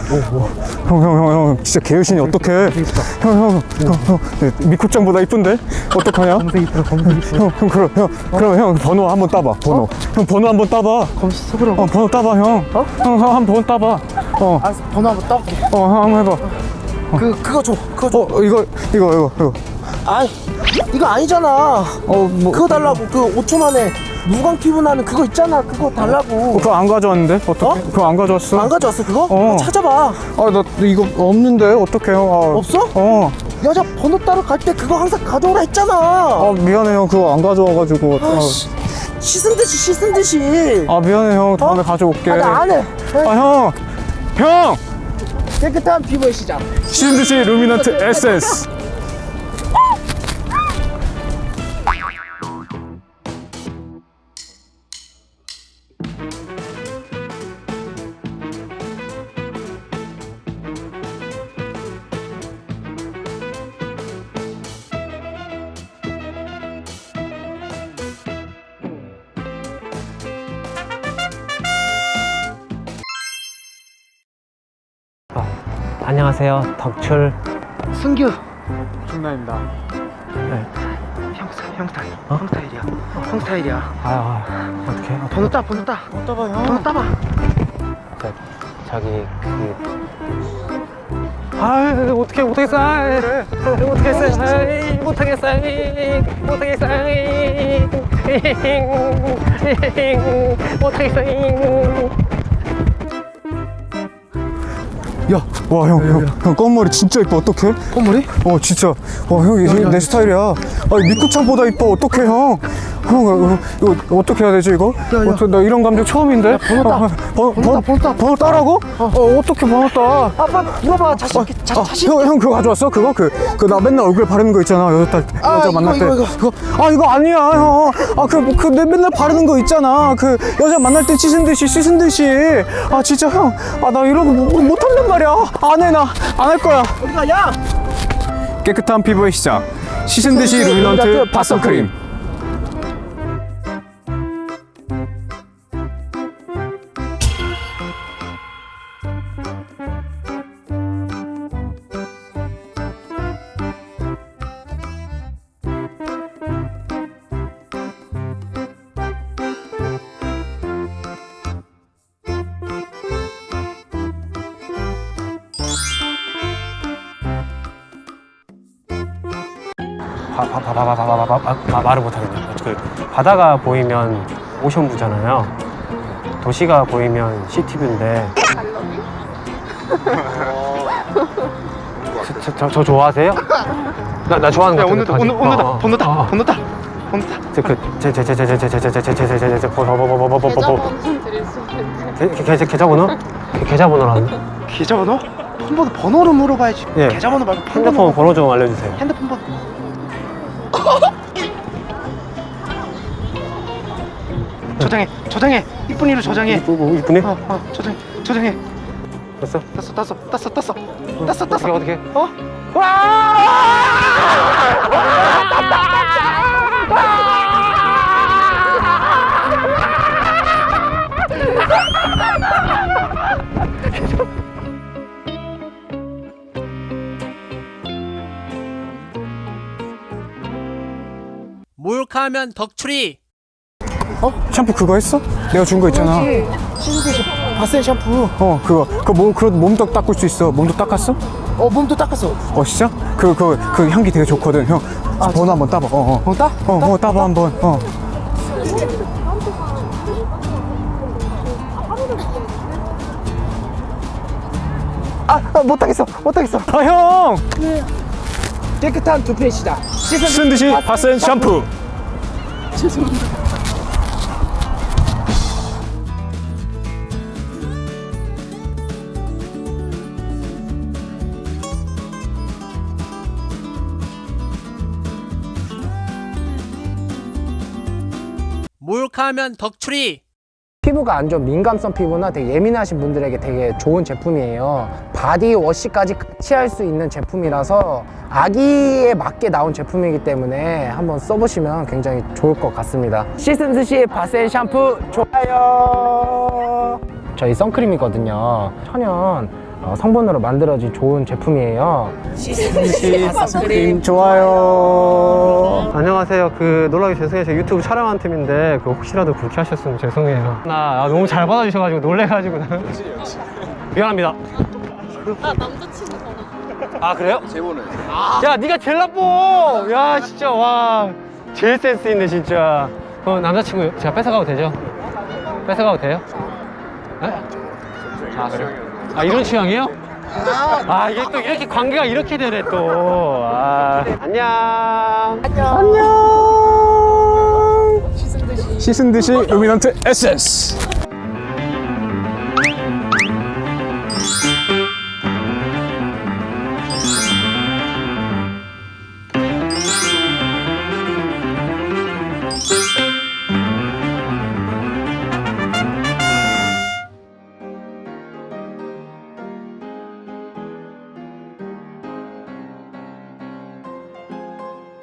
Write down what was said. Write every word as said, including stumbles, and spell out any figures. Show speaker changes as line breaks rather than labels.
형, 형, 형, 형, 진짜 개유신이 어떡해. 형, 형, 형, 형, 네, 미코짱보다 이쁜데? 어떡하냐?
검색 이쁘다, 검색 이쁘다.
형, 형, 그럼, 형, 그럼 형, 번호 한번 따봐, 번호.
어?
형, 번호 한번 따봐.
검색 써보라고?
어, 번호 따봐, 형.
어?
형, 형, 한번 따봐. 어,
알았어, 번호 한번 따볼게.
어, 형, 한번 해봐.
그, 그거 줘, 그거 줘.
어, 이거, 이거, 이거, 이거.
아이, 이거 아니잖아.
어, 뭐.
그거 달라고. 그 오 초 만에 무광 피부 나는 그거 있잖아. 그거 달라고.
어, 그거 안 가져왔는데? 어떡해?
어?
그거 안 가져왔어?
안 가져왔어, 그거?
어.
어, 찾아봐.
아, 나 이거 없는데? 어떡해, 형. 아,
없어?
어.
여자 번호 따러 갈 때 그거 항상 가져오라 했잖아.
아, 미안해, 형. 그거 안 가져와가지고.
아, 씨. 씻은 듯이 씻은 듯이.
아, 미안해, 형. 다음에
어?
가져올게.
아, 나 안 해.
아, 형! 형!
깨끗한 피부의 시작.
신듯이 루미넌트 에센스.
안녕하세요, 덕출.
승규.
중나입니다.
네.
형, 스타일, 형 스타일.
어?
형 스타일이야. 형 스타일이야.
아, 아 어떻게? 아,
번호 따, 번호 따.
못 따봐, 형.
번호 따봐.
저, 저기 그. 아, 어떻게 못하겠어? 아, 못하겠어. 아, 못하겠어. 못하겠어. 못하겠어.
야, 와, 형, 형, 형, 검은 머리 진짜 이뻐. 어떡해?
꽃머리?
어, 진짜. 와, 형, 이게 내 스타일이야. 아, 미쿠창보다 이뻐. 어떡해, 형? 형, 이거, 이거 어떻게 해야 되지, 이거?
야, 야.
어떡- 나 이런 감정 처음인데?
야, 번호 따.
어, 번호,
번호 따, 번호 따.
번호 따라고? 어, 어떻게 번호 따?
아빠 물어봐. 자신 있게. 자,
아,
자신
형, 형 그거 가져왔어? 그거? 그, 그 나 맨날 얼굴 바르는 거 있잖아. 여자, 딸,
아,
여자
이거,
만날 때.
이거, 이거.
그거? 아, 이거 아니야, 형. 아, 그, 그, 내 맨날 바르는 거 있잖아. 그, 여자 만날 때 씻은 듯이, 씻은 듯이. 아, 진짜, 형. 아, 나 이런 거 못, 못한단 말이야. 안 해, 나. 안 할 거야.
어디 가냐?
깨끗한 피부의 시작. 씻은 듯이
듯이
루미넌트
루미넌트
바썸 크림.
바, 바, 바, 바, 바, 바, 바, 바, 바, 말을 못하겠네. 그 바다가 보이면 오션뷰잖아요. 도시가 보이면 시티뷰인데. 저, 저, 저 좋아하세요? 나, 나 좋아하는 거 같은데.
오늘, 오늘, 오늘 다, 번호 따,
어, 어.
번호 따. 번호 따.
저, 그, 제, 제, 제, 제, 제, 제, 제, 제, 제, 제, 제, 제, 제, 제, 보, 보, 보, 보, 보, 보, 보.
계좌번호 드릴 수 있는데.
계- 계좌, 계좌번호? 계좌번호라는?
계좌번호? 폰번호 번호를 물어봐야지.
예.
계좌번호 말고 폰번호.
핸드폰 번호 좀 알려주세요.
핸드폰 번호. 저장해, 저장해. 이쁜이로 저장해.
이쁘고 이쁘네?
어, 어, 저장해, 저장해.
됐어?
땄어, 땄어, 땄어, 땄어, 땄어,
어떻게
땄어.
어떻게?
어?
몰카하면 덕출이.
샴푸 그거 했어? 내가 준 거 있잖아.
신데시 바센 샴푸.
어, 그거. 그거 몸, 그 몸도 닦을 수 있어. 몸도 닦았어?
어, 몸도 닦았어.
어, 진짜? 그, 그, 그 향기 되게 좋거든. 형, 번호 한번 따봐. 어, 어.
번호 따?
어, 어, 따봐 한번. 어.
아, 아, 못하겠어, 못하겠어.
아, 형!
깨끗한 두피의 시작.
씻은 듯이 바센 샴푸.
몰카하면 덕출이.
피부가 안 좋은 민감성 피부나 되게 예민하신 분들에게 되게 좋은 제품이에요. 바디워시까지 같이 할 수 있는 제품이라서 아기에 맞게 나온 제품이기 때문에 한번 써보시면 굉장히 좋을 것 같습니다. 씻은 듯이 바센 샴푸 좋아요. 저희 선크림이거든요. 천연 어, 성분으로 만들어진 좋은 제품이에요.
선크림 좋아요.
안녕하세요. 그 놀라게 죄송해요. 제가 유튜브 촬영한 팀인데 그 혹시라도 그렇게 하셨으면 죄송해요. 나 아, 너무 잘 받아주셔가지고 놀래가지고 미안합니다.
아 남자친구 전화.
아 그래요? 제보는. 야 네가 제일 나빠. 야 진짜 와 제일 센스 있네 진짜. 그럼 남자친구 제가 뺏어가도 되죠? 뺏어가도 돼요? 네? 아 그래요? 아 이런 취향이에요? 아 이게 또 이렇게 관계가 이렇게 되네 또. 아 안녕.
안녕. 씻은 듯이 루미넌트 에스에스.